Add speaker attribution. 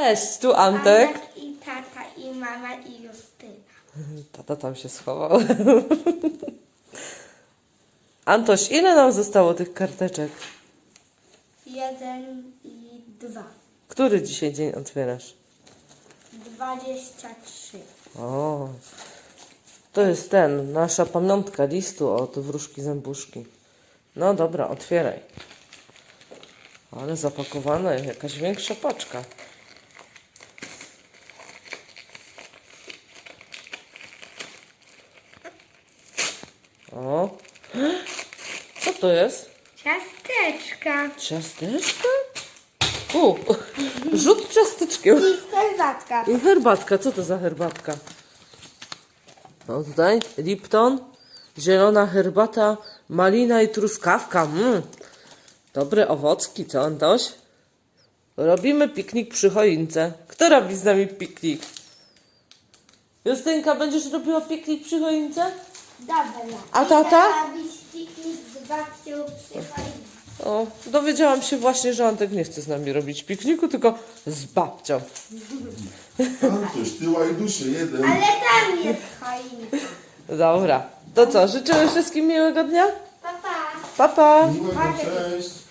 Speaker 1: Cześć, tu Antek.
Speaker 2: Antek i tata, i mama, i Justyna.
Speaker 1: Tata tam się schował. Antoś, ile nam zostało tych karteczek?
Speaker 2: 1 i 2.
Speaker 1: Który dzisiaj dzień otwierasz?
Speaker 2: 23.
Speaker 1: O, to jest nasza pamiątka listu od wróżki zębuszki. No dobra, otwieraj. Ale zapakowana jest jakaś większa paczka. O, co to jest?
Speaker 2: Ciasteczka.
Speaker 1: Ciasteczka? Rzut ciasteczkiem.
Speaker 2: I herbatka.
Speaker 1: I herbatka. Co to za herbatka? No tutaj Lipton, zielona herbata, malina i truskawka. Dobre owocki, co Antoś? Robimy piknik przy choince. Kto robi z nami piknik? Justynka, będziesz robiła piknik przy choince?
Speaker 2: Dobra.
Speaker 1: A tata?
Speaker 2: Robić piknik z babcią przy choince.
Speaker 1: O, dowiedziałam się właśnie, że Antek nie chce z nami robić pikniku, tylko z babcią.
Speaker 3: Antoś, ty łajdusie, jeden.
Speaker 2: Ale tam jest choinka.
Speaker 1: Dobra, to co? Życzymy wszystkim miłego dnia?
Speaker 2: Pa, pa.
Speaker 1: Pa, pa!
Speaker 3: Miłego, cześć.